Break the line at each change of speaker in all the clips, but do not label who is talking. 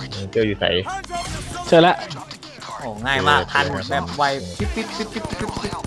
เจออยู่ใส่
เจอแล้ว
โอ้ง่ายมากทันแบบไวปิ๊บปิ๊บปิ๊บปิ๊บปิ๊บปิ๊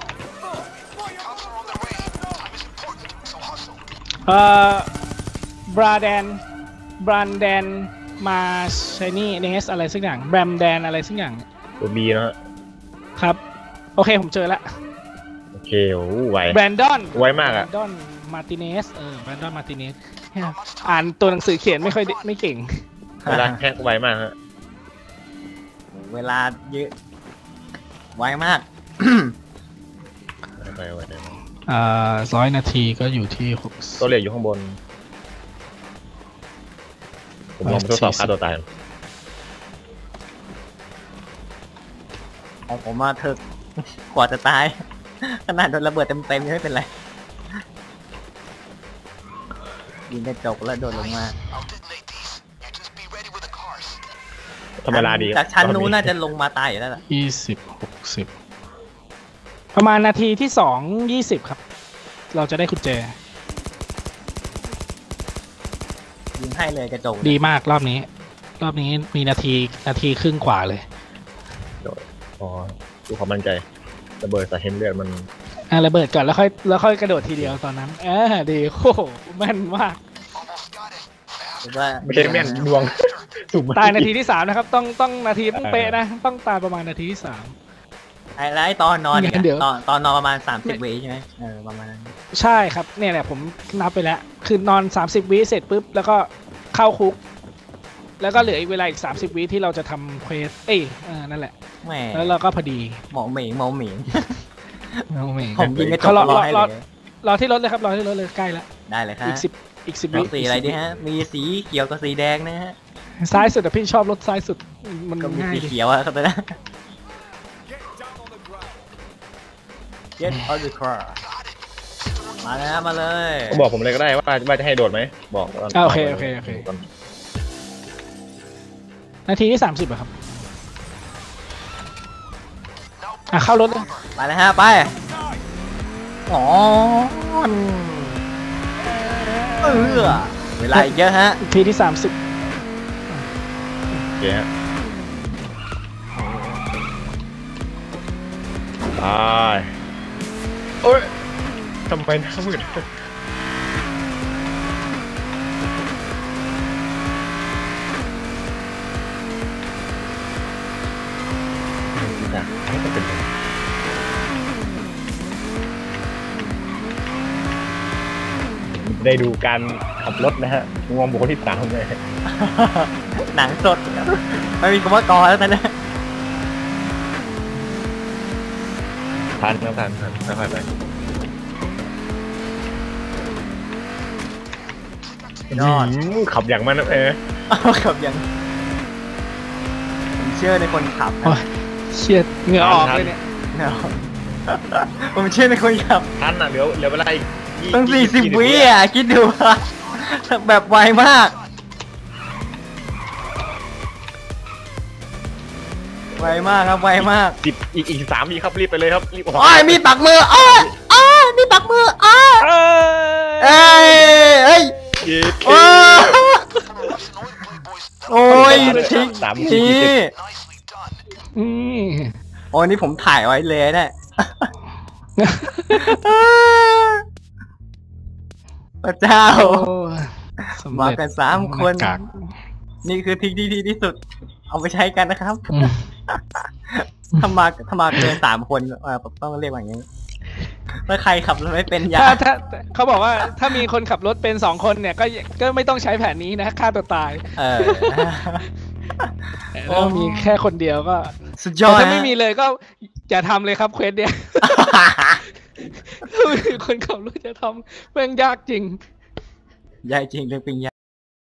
บบราแดนมาชนี่เนสอะไรสักอย่างแบรมแดนอะไรสักอย่าง
ตัวบีนะฮะ
ครับโอเคผมเจอแล้ว
โอเคโอ้ไว
แบรนดอน
ไวมากอะ
แบรนดอนมาติเนสแบรนดอนมาติเนสอ่านตัวหนังสือเขียนไม่เก่ง
เวลาแฮกไวมากฮะ
เวลาเยอะไวมาก
ไว
100 นาทีก็อยู่ที่
ตัวเหล็กอยู่ข้างบนผมลองทดสอบฆ่าตัวตาย
ของผมมาเถอะกว่าจะตายขนาดโดนระเบิดเต็มยังไม่เป็นไรยิงกระจกแล้วโดนลงมา
ธรรมดาดี
จากชั้นนู้นน่าจะลงมาตายอยู่แล้วล่ะ
20-60ประมาณนาทีที่2:20ครับเราจะได้กุญแจ
ยิงให้เลยกระจก
ดีมากรอบนี้มีนาทีครึ่งกว่าเลย
อ๋อดูความมั่นใจระเบิดใส่เฮมเลือดมัน
ระเบิดก่อนแล้วค่อยกระโดดทีเดียวตอนนั้นดีโอ้โหแม่นมาก
ไม่ใช่แม่นดวง
ตายนาทีที่3นะครับต้องนาทีต้องเป๊ะนะต้องตายประมาณนาทีที่3
ไอ้ตอนนอนเนี่ยตอนนอนประมาณ30 วิใช่ไหมประมาณนั้น
ใช่ครับเนี่ยแหละผมนับไปแล้วคือนอน30 วิเสร็จปุ๊บแล้วก็เข้าคุกแล้วก็เหลืออีกเวลาอีก30 วิที่เราจะทำเควสนั่นแหละแล้วเราก็พอดี
หมอเหม่ง
ผมยิงกระจกรอที่รถเลยครับรอที่รถเลยใกล้แล้ว
ได้เลยครับ
อีก10 วิ
สีอะไรดีฮะมีสีเขียวกับสีแดงนะฮะ
ซ้ายสุดแต่พี่ชอบรถซ้ายสุดมัน
มี
ง่าย
สีเขียวอะครับนะGet on the car มาแล้วมาเลย
บอกผมเลยก็ได้ว่าจะให้โดดไหมบอก
โอเคนาทีที่30อะครับเข้ารถเลย
ไปเลยฮะไปอ๋อเวลาอีกเยอะฮะ
นาทีที่30
เยอะไปโอ้ยทำไมหน้ามืดได้ดูการขับรถนะฮะงวงบุคคลที่3เลย
หนังสดไม่มีคำว่ากอแล้วนะ
ทันค่อยไปยอดขับอย่างมัน
ขับอย่างผมเชื่อในคนขับ
เชียดเหงื่อออกเลยเนี่ย
ผมเชื่อในคนขับ
ทันเหลือเวลาอีก
ต้อง40 วิคิดดูแบบไวมากครับไวมาก
อีก3 วิครับรีบไปเลยครับรีบ
มีปักมือมีปักมือเอ้ยโอ้ยทิ้งโอ้ยนี่ผมถ่ายไว้เลยเนี่ยพระเจ้ามากัน3 คนนี่คือทิ้งที่สุดเอาไปใช้กันนะครับถ้ามาเกิน3 คนต้องเรียกว่าอย่างนี้ถ้าใครขับรถไม่เป็น
ถ้าเขาบอกว่าถ้ามีคนขับรถเป็น2 คนเนี่ยก็ไม่ต้องใช้แผนนี้นะฆ่าตัวตายถ้ามีแค่คนเดียวก็
สุดยอด
ถ้าไม่มีเลยก็อย่าทำเลยครับเควสเนี่ยถ้ามีคนขับรถจะทำแม่งยากจริง
เรื่องปิง